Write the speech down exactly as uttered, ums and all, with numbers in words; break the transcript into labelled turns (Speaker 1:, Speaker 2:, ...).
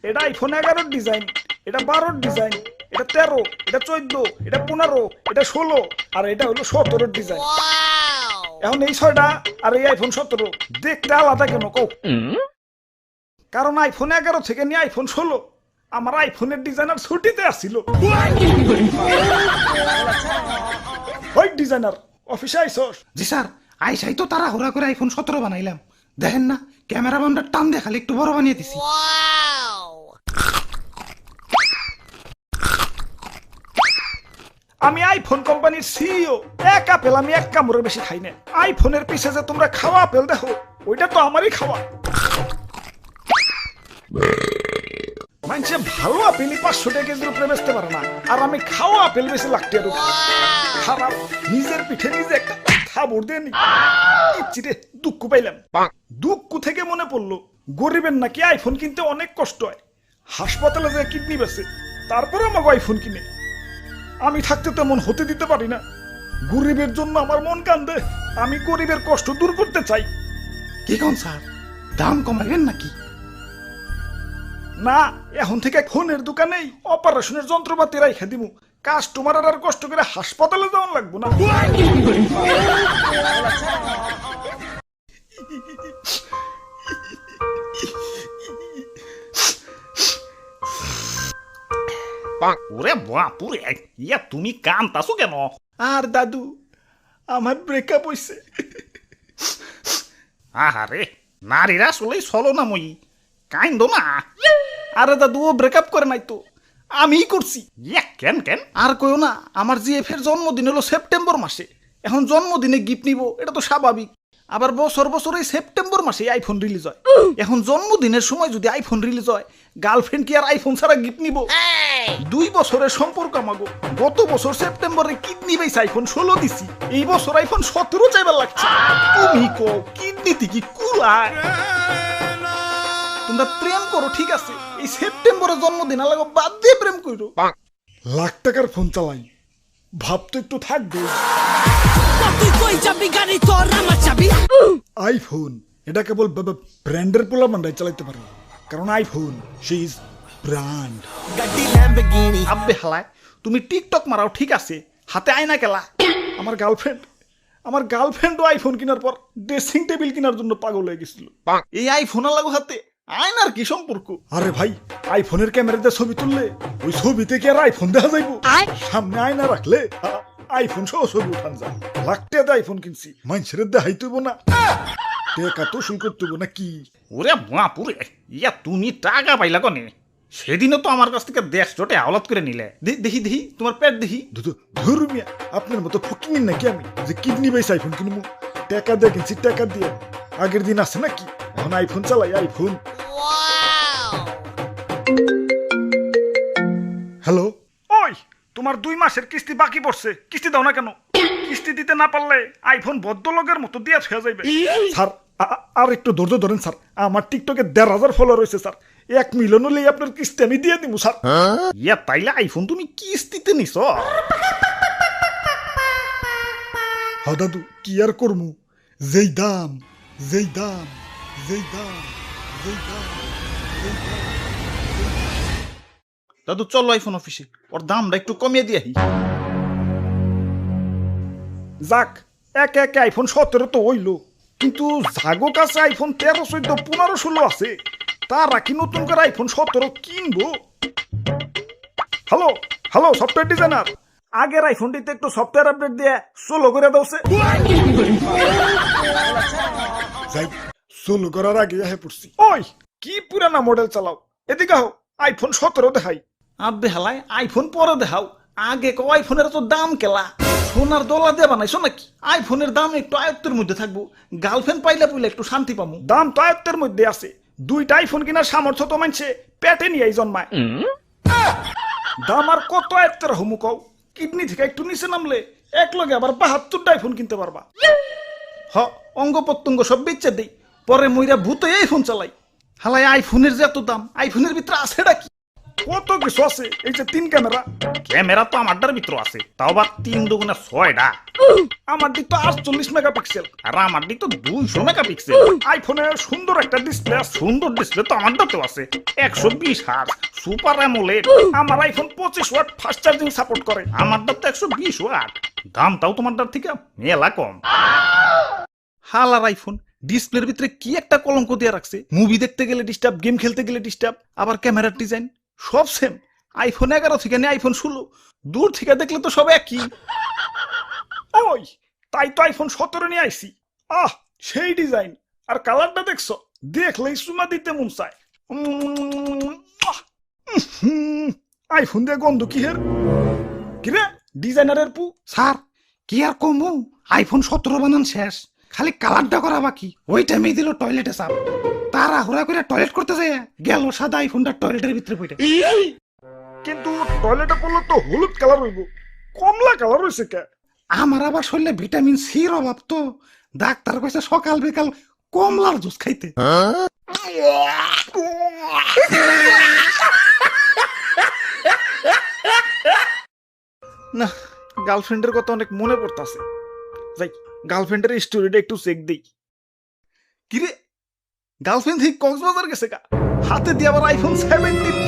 Speaker 1: এটা আইফোন এগারোর ডিজাইন, এটা বারোর ডিজাইন, এটা তেরো, এটা চোদ্দ, এটা পনেরো, এটা ষোলো, আর এটা হলো সতেরোর ডিজাইন। এখন এই ছয়টা আর এই আইফোন সতেরো দেখতে আলাদা কেন কও? কারণ আইফোন এগারো থেকে নিয়ে আইফোন ষোলো আমার আইফোনের ডিজাইনার ছুটিতে আসছিল। ওই ডিজাইনার অফিসে আইসস?
Speaker 2: জি স্যার, আইসাই তো তারা হুরা করে আইফোন সতেরো বানাইলাম। দেখেন না ক্যামেরা বামটা টান দিয়ে খালি একটু বড় বানিয়ে দিছি।
Speaker 1: আমি আইফোন কোম্পানির সিইও, এক আপেল আমি এক কামড়ের বেশি খাই না। আইফোনের পিছে যে তোমরা খাওয়া আপেল দেখো ওইটা তো আমারই খাওয়া। মানুষে ভালো আপেলই পাঁচশো টাকা কেজির উপরে বেচতে পারে না, আর আমি খাওয়া আপেল বেশি লাগতে আর খারাপ। নিজের পিঠে নিজে একটা থাবড় দিয়ে নি চিরে দুঃখ পাইলাম। দুঃখ থেকে মনে পড়লো গরিবের নাকি আইফোন কিনতে অনেক কষ্ট হয়। হাসপাতালে যে কিডনি বেচে তারপরে আমাকে আইফোন কিনে। আমি থাকতে তেমন হতে দিতে পারি না। গরিবের জন্য আমার মন কান্দে। আমি গরিবের কষ্ট দূর করতে চাই।
Speaker 2: কি কোন স্যার, দাম কমাইবেন নাকি?
Speaker 1: না, এখন থেকে ফোনের দোকানেই অপারেশনের যন্ত্রপাতি রাইখা দিমু। কাস্টমার আর কষ্ট করে হাসপাতালে যাওয়ান লাগবো না।
Speaker 3: ওরে বাপুরে, ইয়া তুমি কান্তাছো কেন?
Speaker 1: আর দাদু, আমার ব্রেকআপ হইছে।
Speaker 3: আহারে, নারীরা আসলেই চলো না মই, কাইন্দ না।
Speaker 1: আরে দাদু, ও ব্রেকআপ করে নাই তো, আমিই করছি।
Speaker 3: ইয়া কেন কেন?
Speaker 1: আর কইও না, আমার জিএফ এর জন্মদিন হলো সেপ্টেম্বর মাসে। এখন জন্মদিনে গিফট নিব, এটা তো স্বাভাবিক। আবার বছর বছর এই সেপ্টেম্বর মাসে আইফোন রিলিজ হয়। এখন জন্মদিনের সময় যদি আইফোন রিলিজ হয়, গার্লফ্রেন্ড কি আর আইফোন ছাড়া গিফট নিব? দুই বছরের সম্পর্ক আমাগো। গত বছর সেপ্টেম্বরে কিডনি বেস আইফোন ষোলো দিছি, এই বছর আইফোন সতেরো চাইবার লাগছে। তুমি কো কিডনিতে কি কুলায়? তোমরা প্রেম করো ঠিক আছে, এই সেপ্টেম্বরের জন্মদিন আলাগো বাদ দিয়ে প্রেম করো। লাখ টাকার ফোন চালাই, ভাব তো একটু থাকবে। আইফোন এটা কেবল ব্র্যান্ডের পোলা বান্ডাই চালাইতে পারে, কারণ আইফোন সে ইজ ব্র্যান্ড। আব্বে হালায়, তুমি টিকটক মারাও ঠিক আছে, হাতে আয়না কেলা। আমার গার্লফ্রেন্ড আমার গার্লফ্রেন্ডও আইফোন কেনার পর ড্রেসিং টেবিল কেনার জন্য পাগল হয়ে গেছিল। এই আইফোন লাগো হাতে আয়নার কি সম্পর্ক? আরে ভাই, আইফোনের ক্যামেরাতে ছবি তুললে ওই ছবিতে কি আর আইফোন দেখা যাইব? সামনে আয়না রাখলে আইফোন সহ ছবি উঠান যায়। লাখ টাকা আইফোন কিনছি, মানুষের দেখাই তুইব না, টাকা তো শুল করতে না কি?
Speaker 3: ওরে বাপুরে, ইয়া তুমি টাকা পাইলা কনে? সেদিনও তো আমার কাছ থেকে দেশ জোটে আওলাদ করে নিলে।
Speaker 1: দেখি দেখি তোমার পেট দেখি। ধর্মিয়া, আপনার মতো ফকির নাকি আমি যে কিডনি বেস আইফোন কিনবো? টাকা দিয়ে কিনছি, টাকা দিয়ে। আগের দিন আছে নাকি? এখন আইফোন চালাই, আইফোন। হ্যালো, ওই তোমার দুই মাসের কিস্তি বাকি পড়ছে, কিস্তি দাও না কেন? কিস্তি দিতে না পারলে আইফোন ভদ্রলোকের মতো দিয়ে ছুঁয়া যাইবে। স্যার আর একটু ধৈর্য ধরেন স্যার, আমার টিকটকে দেড় হাজার ফলোয়ার রয়েছে স্যার। এক মিলিয়ন হলে আপনার কিস্তি আমি দিয়ে দিব স্যার।
Speaker 3: ইয়া তাইলে আইফোন তুমি কিস্তিতে নিছ?
Speaker 1: হ দাদু, কি আর করমু? যেই দাম যেই দাম যেই দাম যেই দাম যেই দাম।
Speaker 3: দাদু চলো আইফোন অফিসে, ওর দামটা একটু কমিয়ে দিয়ে।
Speaker 1: যাক, একে একে আইফোন সতেরো তো হইল, কিন্তু জাগো কাছে আইফোন তেরো চোদ্দ পনেরো ষোলো আছে। তারা কি নতুন করে আইফোন সতেরো কিনবো? হ্যালো হ্যালো সফটওয়্যার ডিজাইনার, আগের আইফোনটিতে একটু সফটওয়্যার আপডেট দিয়ে সোলো করে দাওছে। সোলো করার আগে হ্যাঁ পড়ছি। ওই কি পুরানা মডেল চালাও, এদিকে হও, আইফোন সতেরো দেখাই। আব্বে হালাই, আইফোন পরে দেখাও, আগে কো আইফোনের তো দাম কেলা। সোনার দলা দিয়ে বানাইছো নাকি? আইফোনের দাম একটু আয়ত্তের মধ্যে থাকবো, গার্লফ্রেন্ড পাইলে পুইলে একটু শান্তি পাবো। দাম তো আয়ত্তের মধ্যে আছে, দুইটা আইফোন কেনার সামর্থ্য তো মানছে পেটে নিয়ে জন্মায়। দাম আর কত আয়ত্তের হমু কও? কিডনি থেকে একটু নিচে নামলে এক লগে আবার বাহাত্তরটা আইফোন কিনতে পারবা। হ, অঙ্গ প্রত্যঙ্গ সব বেচে দেই, পরে মইরা ভূত আইফোন চালাই। হালাই আইফোনের যে এত দাম, আইফোনের ভিতরে আছে কি? কত কিছু আছে, এই যে তিন ক্যামেরা।
Speaker 3: ক্যামেরা তো আমারটার ভিতর আছে, তাও আবার তিন দুগুণে ছয়টা।
Speaker 1: আমার দিক তো আটচল্লিশ মেগাপিক্সেল,
Speaker 3: আর আমার দিক তো দুইশো মেগাপিক্সেল।
Speaker 1: আইফোনে সুন্দর একটা ডিসপ্লে আছে।
Speaker 3: সুন্দর ডিসপ্লে তো আমারটাতেও আছে, একশো বিশ হার্জ সুপার অ্যামোলেড।
Speaker 1: আমার আইফোন পঁচিশ ওয়াট ফাস্ট চার্জিং সাপোর্ট করে।
Speaker 3: আমারটা তো একশো বিশ ওয়াট, দামটাও তোমারটার থেকে মেলা কম। হালার আইফোন ডিসপ্লের ভিতরে কি একটা কলঙ্ক দিয়ে রাখছে।
Speaker 1: মুভি দেখতে গেলে ডিস্টার্ব, গেম খেলতে গেলে ডিস্টার্ব, আবার ক্যামেরার ডিজাইন সব সেম। আইফোন এগারো থেকে নিয়ে আইফোন ষোলো, দূর থেকে দেখলে তো সব একই। ওই তাই তো আইফোন সতেরো নিয়ে আইছি। আহ সেই ডিজাইন আর কালারটা দেখছো, দেখলেই সুমা দিতে মন চায়। উম, আহ, উহুম, আইফোন দিয়ে গন্ধ কি হের কিরে ডিজাইনারের পু।
Speaker 2: স্যার কি আর কমু, আইফোন সতেরো বানান শেষ, খালি কালারটা করা বাকি। ওই টাইমে দিল টয়লেটে চাপ, তারা হুড়া করে টয়লেট করতে যায়, গেল সাদা আইফোনটা টয়লেটের ভিতরে পড়ে।
Speaker 1: কিন্তু টয়লেটে পড়লে তো হলুদ কালার হইব, কমলা কালার হয়েছে কে?
Speaker 2: আমার আবার শরীরে ভিটামিন সির অভাব তো, ডাক্তার কইছে সকাল বিকাল কমলার জুস খাইতে।
Speaker 1: না, গার্লফ্রেন্ডের কথা অনেক মনে পড়তাছে। যাই গার্লফ্রেন্ডের স্টোরিটা একটু চেক দেই। কিরে গার্লফ্রেন্ড থেকে কক্সবাজার গেছে গা, হাতে দিয়ে আবার আইফোন সেভেন্টিন